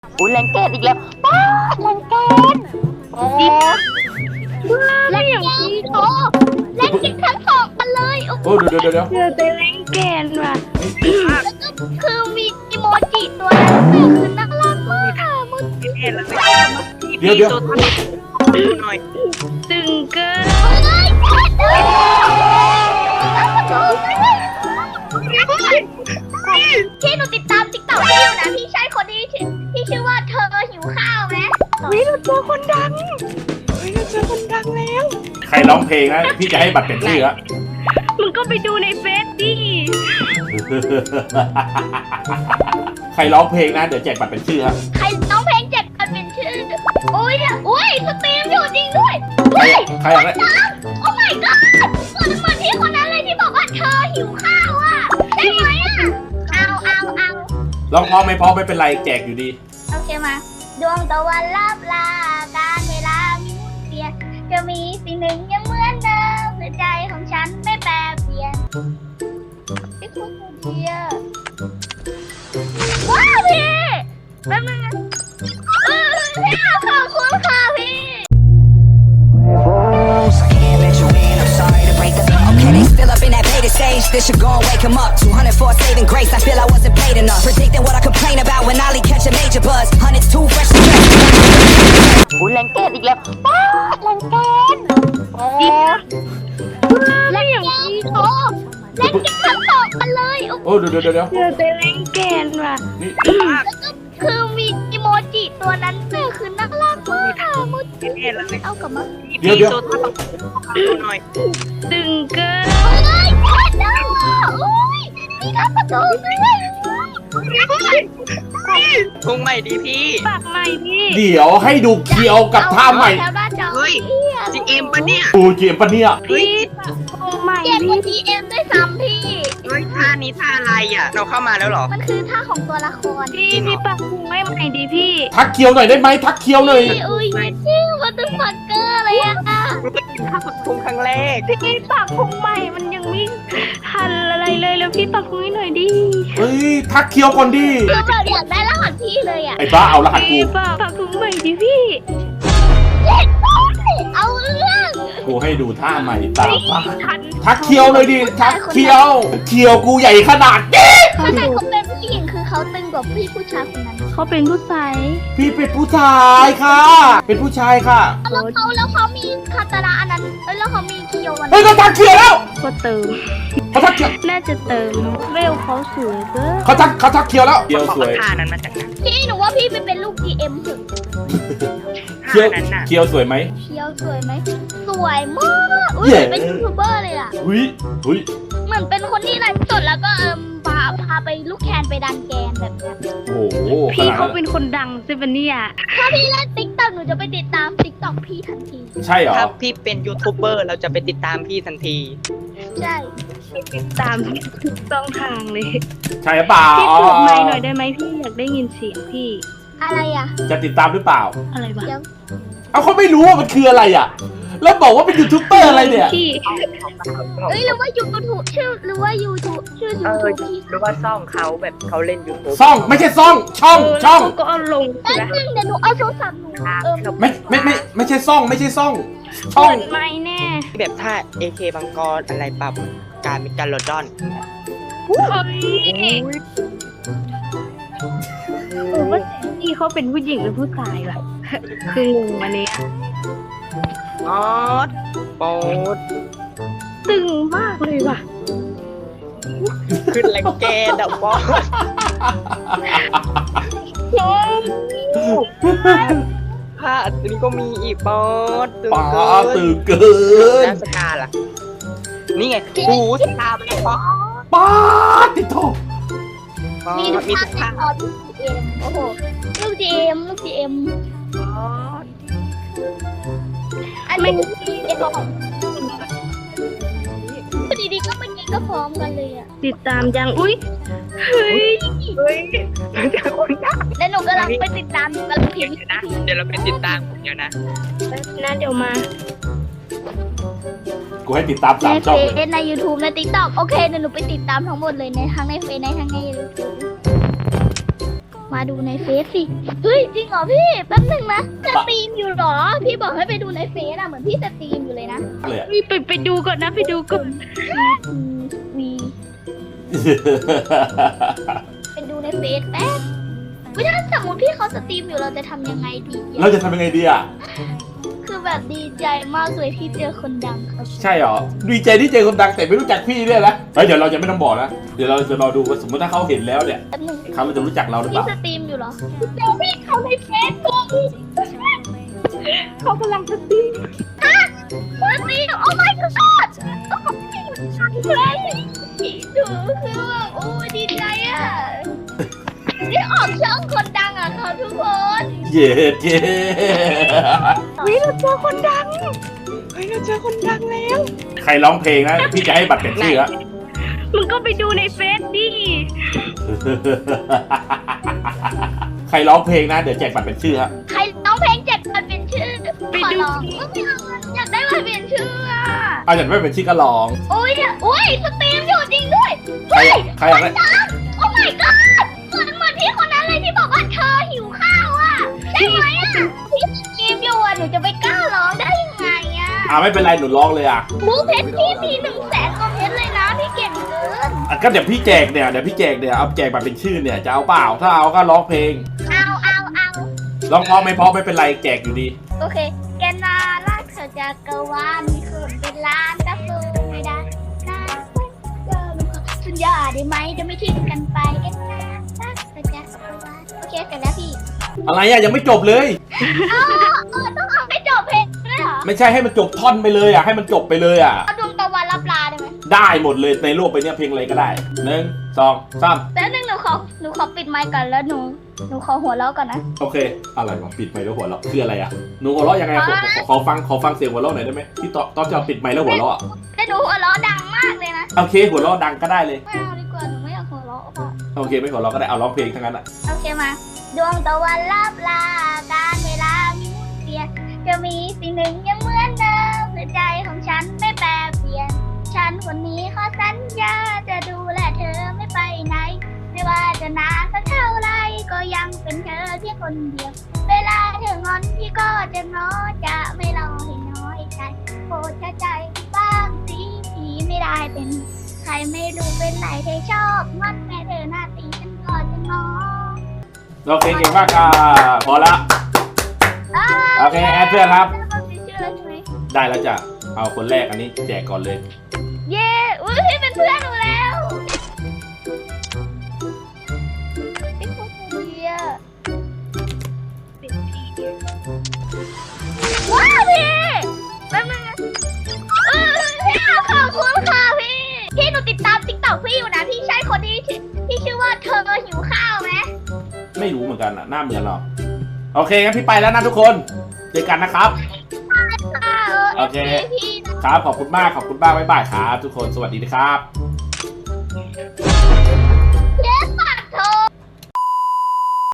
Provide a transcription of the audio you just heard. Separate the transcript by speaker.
Speaker 1: อุ้ยแรงเกตอีกแล้วป้าแรงเกตโอ้แรงเกตโอ้แรงเกตทั้งสองกันเลย
Speaker 2: โอ้เดี๋ยว
Speaker 3: เจอแต่แรงแกนว่ะ
Speaker 1: แล้วก็คือมีอีโมจิตัวนั้นแต่คือน่ารักมากค่ะมุด
Speaker 2: เห็นแล้วเดี๋ยว
Speaker 3: หน่อยตึงเกิน
Speaker 1: ที่หนูติดตามติ๊กต็อกพี่อยู่นะพี่ใช่คนที่ชื่อว่าเธอหิวข้าวไหม
Speaker 3: เราเจอคนดังเราเจอคนดังแล้ว
Speaker 2: ใครร้องเพลงนะพี่จะให้บัตรเป็นชื่อละ
Speaker 3: มึงก็ไปดูในเฟซดิ
Speaker 2: ใครร้องเพลงนะเดี๋ยวแจกบัตรเป็นชื่อฮะ
Speaker 1: ใครน้องเพลงเจ็ดกันเป็นชื่ออุ้ยสตรีมอยู่จริงด้วย
Speaker 2: ใครอะไร
Speaker 1: โอ้ my god เหมือนพี่คนนั้นเลยที่บอกว่าเธอหิวข้าวอ่ะใช่ไหมอ่ะเอา
Speaker 2: ร้องเพราะไม่เพราะไม่เป็นไรแจกอยู่ดี
Speaker 1: โอเคมาดวงตะวันลับลาการเวลามีหมุนเปลี่ยนจะมีสิ่งหนึ่งยังเหมือนเดิมในใจของฉันไม่แปรเปลี่ยนไอ้คุณเดียว้าวพี่แป๊บนึงนะพี่ขอบคุณค่ะพี่
Speaker 4: Can't let you in, I'm sorry to break the okay, they still up in that beta stage. This should go and wake 'em up. 200 for saving grace. I feel I wasn't paid enough. Predicting what I complain about when Ollie catch a major buzz. Hundreds too fresh to dress.
Speaker 1: อุ้ยแรงเกตอีกแล้วป้าแรงเกตโอ้แรงเกตโอ้แรงเกตทั้งสองกันเลย
Speaker 2: โอ้เดี๋ยว
Speaker 3: เจอแต่แรงแกนว่ะ
Speaker 2: นี่
Speaker 1: แล้วก็คือมีอีโมจิตัวนั้นแต่คือน่ารักมากค่ะมุด
Speaker 2: เห็นแล้ว
Speaker 1: เอากลับมา
Speaker 2: เดี๋ยว
Speaker 3: หน่อยตึงเกิน
Speaker 1: เฮ้ยแคทนะอุ้ยมีการประตูด้วย
Speaker 5: พุงใหม่ดีพี่
Speaker 3: ปากใหม่พี่
Speaker 2: เดี๋ยวให้ดูเคียวกับท่าใหม่
Speaker 1: แถวหน้าจอ
Speaker 5: เฮ้ย จีเอ็มปะเนี่ย
Speaker 2: ดูเกมปะเนี่ย
Speaker 3: พี่ปากโคงใหม่
Speaker 1: เจ็บก
Speaker 3: พี่
Speaker 1: ว่า GM ด้วยซ้ำพี่
Speaker 5: เฮ้ยท่านี้ท่าอะไรอ่ะ เราเข้ามาแล้วเหรอ
Speaker 1: มันคือท่าของตัวละคร
Speaker 3: พี่ปากโคงไม่ใหม่ดิพี่
Speaker 2: ทักเคียวหน่อยได้ไหมทักเคียวหน่อย
Speaker 1: อุ้ยชื่อวัตถุฟักเกอร์เลยอะ
Speaker 5: กูไปกินข้าวผัดพุงครั้งแรก
Speaker 3: พี่ปากโคงใหม่มันยังไม่ทันอะไรเลยแล้วพี่ปากโคงให้หน่อยดิ
Speaker 2: เฮ้ยทักเคียวก่อนดิ
Speaker 1: คือแบบอยากได้รหัสพี่เลยอะ
Speaker 2: ไอ้บ้าเอารหัสกู
Speaker 3: พี่ปากโคงใหม่ดิพี่
Speaker 1: เจ็ดเอาเรื่อง
Speaker 2: กูให้ดูท่าใหม่ตามบ้า
Speaker 3: ทัน
Speaker 2: ทักเคียวเลยดิทักเคียวเคียวกูใหญ่ขนาดนี้
Speaker 1: ขนาดเขาเป็นผู้หญิงคือเขาตึงกว่าพี่ผู้ชายคนนั้น
Speaker 3: เขาเป็นผู้ชาย
Speaker 2: พี่เป็นผู้ชายค่ะ เป็นผู้ชายค่ะ
Speaker 1: แล้วเขามีคาตาราอันนั้นแล้วเขามีคิโยวัน
Speaker 2: เฮ้ยก็ทักเคียวแล้ว
Speaker 3: ก็เติม
Speaker 2: เขาทักเคียว
Speaker 3: น่าจะเติมเวลเขาสวยเกิน
Speaker 2: เขาทักเคียวแล้วเคียว
Speaker 5: บอก
Speaker 2: สวย
Speaker 5: ท่านั้นมาจากไหน
Speaker 1: พี่หนูว่าพี่ไปเป็นลูก GM เถอะ
Speaker 2: เคียว
Speaker 5: ท่านั้นน่ะ
Speaker 2: เคียวสวยไหม
Speaker 1: เชียวสวยไหมสวยมากอุ้ยเหมือนเป็นยูทูบเบอร์เลยอะ
Speaker 2: หุยหุย
Speaker 1: เหมือนเป็นคนที่ไลฟ์สดแล้วก็พาไปลูกแคนไปดันแกนแบบเนี้ย
Speaker 2: โอ้โหข
Speaker 3: พี่
Speaker 2: นาด
Speaker 3: เขา
Speaker 2: นั้น
Speaker 3: เป็นคนดังใช่ปะเนี่ย
Speaker 1: ถ้าพี่เล่นติ๊กต็อกหนูจะไปติดตามติ๊กต็อกพี่ทันที
Speaker 2: ใช่เหรอ
Speaker 5: ถ้าพี่เป็นยูทูบเบอร์เราจะไปติดตามพี่ทันที
Speaker 1: ใช่
Speaker 3: ตามทุกช่องทางเลย
Speaker 2: ใช่หรือเปล่า
Speaker 3: พี่เปิดไมค์หน่อยได้ไหมพี่อยากได้ยินเสียงพี่
Speaker 1: อะไรอ่ะ
Speaker 2: จะติดตามหรือเปล่า
Speaker 3: อะไรวะ
Speaker 1: เดี๋ยว
Speaker 2: เอาเขาไม่รู้ว่ามันคืออะไรอ่ะ แล้วบอกว่าเป็นยูทูบเบอร์อะไรเนี่ย
Speaker 3: พี่
Speaker 1: เอ้ยหรือว่ายูทูบชื่อหรือว่ายูทูบชื่อยูทูบพี่
Speaker 5: หรือว่าซ่องเขาแบบเขาเล่นยูทูบ
Speaker 2: ซ่องไม่ใช่ซ่องช่อง
Speaker 3: แล้วเขาก็เอาลง
Speaker 1: แป๊บนึงเดี๋ยวหนูเอาโทรศัพท์หนู
Speaker 2: ไม่ใช่ซ่องไม่ใช่ซ่องช่อง
Speaker 3: เปิดไมค์แน่
Speaker 5: แบบท่า AK บังกรอะไรปรับการเป็นการโลดอน
Speaker 3: เฮ้ยว่าพี่เขาเป็นผู้หญิงหรือผู้ชายล่ะ คืองงอันเนี้ย
Speaker 5: ออดโป๊ด
Speaker 3: ตึงมากเลยว่ะ
Speaker 5: ขึ้นแรงแกดับบอสผ้าอันนี้ก็มีอีกบอสตึง
Speaker 2: ป้า
Speaker 5: เกิน
Speaker 2: ตื่นเกิน
Speaker 5: แล้วสกาล่ะ นี่ไงหูสกาไปแล้วบอส
Speaker 2: ป้าติดโทษ
Speaker 5: บอ
Speaker 1: มี
Speaker 5: ส
Speaker 1: ทุก
Speaker 5: มี
Speaker 1: ภา
Speaker 5: ทุ
Speaker 1: ค
Speaker 5: ก
Speaker 1: ใน
Speaker 5: ท่า
Speaker 1: ออลูก GM โอ้โหลูก GM ลูก GM
Speaker 5: บอส
Speaker 1: อันนี้ลูก GM ดีๆก็เมื่อกี้ก็พร้อมกันเลยอ่ะ
Speaker 3: ติดตามยังอุ้ยเฮ้ย
Speaker 5: เฮ้ยเจอคนดัง
Speaker 1: แล้วหนูกำลังไปติดตามหนูกำลังพิมพ์
Speaker 5: เดี๋ยวเราไปติดตามผมเดี๋ยวนะ
Speaker 3: นะเดี๋ยวมา
Speaker 2: กูให้ติดตาม
Speaker 1: ใน
Speaker 2: 3
Speaker 1: เฟ
Speaker 2: ช่องเลย
Speaker 1: ซใน YouTube ใน TikTok โอเคเดี๋ยวหนูไปติดตามทั้งหมดเลยในทั้งในเฟซในทั้งใน YouTube มาดูในเฟซสิเฮ้ยจริงเหรอพี่แป๊บนึงนะสตรีมอยู่เหรอพี่บอกให้ไปดูในเฟซอะเหมือนพี่สตรีมอยู่เลยนะ
Speaker 2: เลยอะ
Speaker 3: ไปดูก่อนนะไปดูก่อน
Speaker 1: วีไปดูในเฟซแป๊บถ้าสมมติพี่เขาสตรีมอยู่เราจะทำยังไงดี
Speaker 2: เราจะทำยังไงดีอ่ะ
Speaker 1: คือแบบดีใจมากเลยที่เจอคนดังครับ
Speaker 2: ใช่เหรอดีใจที่เจอคนดังแต่ไม่รู้จักพี่เนี่ยนะเฮ้ยเดี๋ยวเราจะไม่ต้องบอกนะเดี๋ยวเราจะรอดูว่าสมมติถ้าเขาเห็นแล้วเนี่ย
Speaker 1: แป๊บนึง
Speaker 2: เขาจะรู้จักเราหรือเป
Speaker 1: พี่
Speaker 2: ล่า
Speaker 1: สตรีมอยู่เหรอเจอพี่เขาในเฟซบุ๊ก
Speaker 3: เขากำลังสตรีม
Speaker 1: ฮะสตรีมโอ้ my god เลยดูคือแบบโอ้ดีใจอ่ะนี่ออกช่องคนดังอ่ะเขาทุกคน
Speaker 2: เย้เย้
Speaker 3: วิเราเจอคนดังเฮ้ยเราเจอคนดังแล้ว
Speaker 2: ใครร้องเพลงนะพี่จะให้บัตรเป็นชื่ออะ
Speaker 3: มึงก็ไปดูในเฟซดิ
Speaker 2: ใครร้องเพลงนะเดี๋ยวแจกบัตรเป็นชื่อฮะ
Speaker 1: ใครร้องเพลงเจ็บมันเป็นชื่อขอร้องอยากได้มันเป็นชื่ออ่ะ
Speaker 2: เอาอย่างไม่เป็นชื่อก็ร้อง
Speaker 1: โอ้ยสตรีมอยู่จริงด้วย
Speaker 2: ใครอยากได้
Speaker 1: โอ้ my god เหมือนพี่คนนั้นเลยที่บอกว่าเธอหิวข้าวอ่ะใช่ไหมอ่ะพี่สตรีมอยู่อ่ะหนูจะไปกล้าร้องได้ยังไงอ่ะ
Speaker 2: ไม่เป็นไรหนูร้องเลยอ่ะ
Speaker 1: มูเพชรพี่มี100,000คอมเมนต์เลยนะพี่เก่งเกิน
Speaker 2: ก็เดี๋ยวพี่แจกเนี่ยเอาแจกบัตรเป็นชื่อเนี่ยจะเอาเปล่าถ้าเอาก็ร้องเพลง
Speaker 1: เอา
Speaker 2: ร้องเพราะไม่เพราะไม่เป็นไรแจกอยู่ดี
Speaker 1: โอเคแกนาลักเธอจากกวาลมีคนเป็นล้านก็สู้ไม่ได้นะเจอลูกสัญญาได้ไหมจะไม่ทิ้งกันไปแกนาลักเธอจากกวาลโอเคเสร็จแล้วพี่
Speaker 2: อะไรอ่ะยังไม่จบเลย
Speaker 1: ต้องเอาให้จบเพลงด้วยเหรอ
Speaker 2: ไม่ใช่ให้มันจบท่อนไปเลยอ่ะให้มันจบไปเลยอ่ะ
Speaker 1: เอาดวงตะวันรับลาได้ไหม
Speaker 2: ได้หมดเลยในโลกไปเนี่ยเพลงอะไรก็ได้1 2 3
Speaker 1: แล้วนึงหนูขอปิดไมค์ก่อนแล้วหนูขอหัวเราะก่อนนะ
Speaker 2: โอเคอะไรวะปิดไมค์แล้วหัวเราะคืออะไรอ่ะหนูหัวเราะยังไงขอฟังเสียงหัวเราะหน่อยได้ไหมที่ตอนจะปิดไมค์แล้วหัวเราะอ่ะ
Speaker 1: แต่หนูหัวเราะดังมากเลยนะ
Speaker 2: โอเคหัวเราะดังก็ได้เลย
Speaker 1: ไม่เอาดีกว่าหนูไม่อยากหัวเราะอ่ะ
Speaker 2: โอเคไม่หัวเราะก็ได้เอาร้องเพลงทั้งนั้นอ่ะ
Speaker 1: โอเคมาดวงตะวันรับลาการเวลามีหมุนเปลี่ยนจะมีสิ่งหนึ่งยังเหมือนเดิมหัวใจของฉันไม่แปรเปลี่ยนฉันคนนี้ขอสัญญาจะดูแลเธอไม่ไปไหนไม่ว่าจะนานสักเท่าไรก็ยังเป็นเธอเพียงคนเดียวเวลาเธองอนพี่ก็จะง้อจะไม่รอให้น้อยใจโปรดเข้าใจบ้างสิพี่ไม่ได้เป็นใครไม่รู้เป็นไหนเธอชอบงอนแม่เธอหน้าตีฉันก็จะง้อ
Speaker 2: โอเคเก่งมากค่ะพอละโอเคแอดเพื่อนครับ ได้แล้วจ้ะเอาคนแรกอันนี้แจกก่อนเลย
Speaker 1: เย้อุ้ยพี่เป็นเพื่อนหนูแล้วไอ้คนดีอะว้าวพี่แป๊บนึงนะพี่ขอบคุณค่ะพี่หนูติดตามติ๊กต็อกพี่อยู่นะพี่ใช่คนที่ชื่อว่าเธอหิวข้าวไหม
Speaker 2: ไม่รู้เหมือนกันอ่ะหน้าเหมือนหรอโอเคงั้นพี่ไปแล้วนะทุกคนเจอกันนะครับ โอเค
Speaker 1: พี่
Speaker 2: ครับขอบคุณมากบ๊ายบายครับทุกคนสวัสดีนะครับ